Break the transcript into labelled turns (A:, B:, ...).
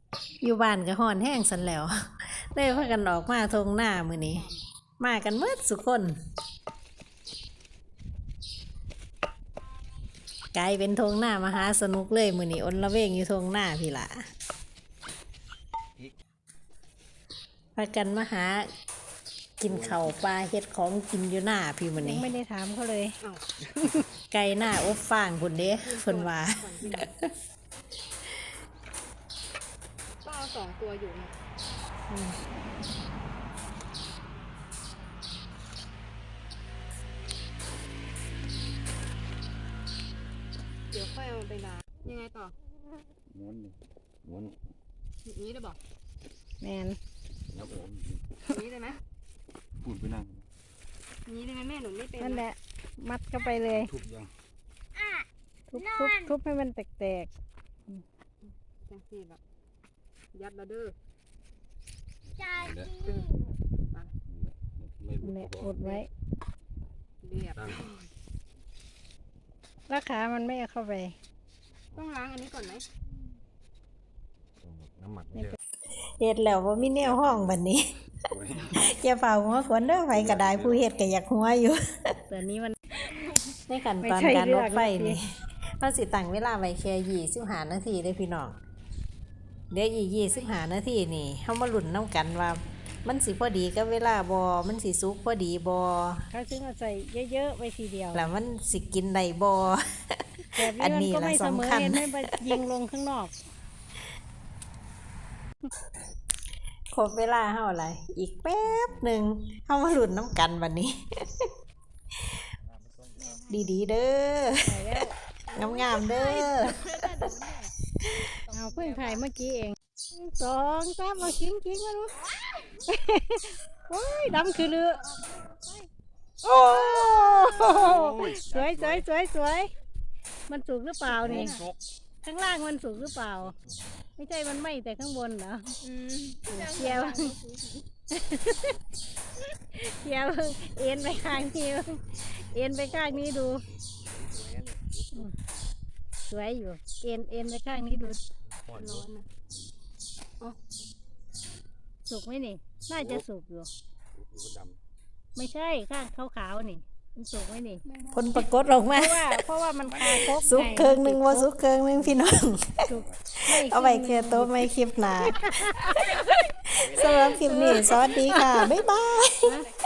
A: อยู่บ้านก็ฮ้อนแห้งสันแล้วเลยพากันออกมาทงหน้ามื้อนี้มากันหมดสุกคนกลายเป็นทงหน้ามหาสนุกเลยมื้อนี้อนละเวงอยู่ทงหน้าพี่ล่ะพากันมาหากินข้าวปลาเฮ็ดของกินอยู่หน้าพี่มื้อ
B: ยัง
A: นี้
B: ไม่ได้ถามเขาเลย
A: ไก่หน้าอบฟางพุ่นเด้เพิ่นว่า
C: ก็เอา2 ตัวอยู่เนี่ยเดี๋ยวค่อยเอาไปล้างยังไงต่อ
D: ม้วนนี่ม้วน
C: อย่างนี้ได้บอก
B: แมน
D: แล้วผม
C: อย่างนี้ได้ไหม
D: ปูนไปนั่ง
C: อย่างนี้ได้ไหมแม่หนูไม่เป็น
B: นั่นแหละมัดเข้าไปเลย
D: ทุบยัง
B: ทุบให้มันแตก
C: จังสิแบบยัดระเด้อ
D: ไม่
B: ๆเนี่ยอดไว้
C: เรียบ
B: แล้วขามันไม่เอาเข้าไป
C: ต้องล้างอันนี้ก่อนไหม
D: น้ำหมักไม่ใช่
A: เฮ็ดแล้วบ่มีแนวห้องบัดนี้ อย่าเฝ้าหัวขวนเด้อไผก็ได้ผู้เฮ็ดก็อยากหัวอยู่
B: แต่นี้มัน
A: ในขั้นตอนการลดไฟนี่เราสิตั้งเวลาไว้แค่25นาทีเด้อพี่น้องเดี๋ยวอีก25นาทีนี่เฮามาลุ้นนํกันว่ามันสิพอดีกับเวลาบ่มันสิสุกพอดีบ่
B: เขาจึงเอาใส่เยอะๆไว้ทีเดียว
A: แล้วมันสิกินได้บ่
B: แบบ
A: อัน
B: นี้
A: นี้
B: มันก็ไม่
A: ล่ะ
B: เสมอ
A: สำคัญ
B: เห็นไหมไปยิงลงข้างนอก
A: ครบเวลาเฮาล่ะอีกแป๊บหนึงเฮามาลุ้นนํกันบัดนี้ ดีๆเด้อ งามๆเด้อ
B: เอาเพิ่งถ่ายเมื่อกี้เอง2 3เอากิ้งมาดู โอ้ยดำคือเรือโอ้สวยมันสุกหรือเปล่านี่ข้างล่างมันสุกหรือเปล่า ไม่ใช่มันไหม้แต่ข้างบนเหรอเชียวเอ็นไปข้างนี้เอ็นไปข้างนี้ดูสวยอยู่เอ็นไปข้างนี้ดู
C: ร้อนนะ
B: สุกไหมนี่น่าจะสุกอยู่ไม่ใช่ข้างขาวๆนี่มันสุกไหมนี่
A: ผลปรากฏออกมา
B: เพราะว่ามันคาคก
A: สุกเคิงหนึงบ่สุกเคิงหนึงพี่น้อง
B: สุก
A: เอาไว้แค่โต๊ะไม่คลิปหน้าสำหรับคลิปนี้สวัสดีค่ะ บ๊ายบาย
B: นะ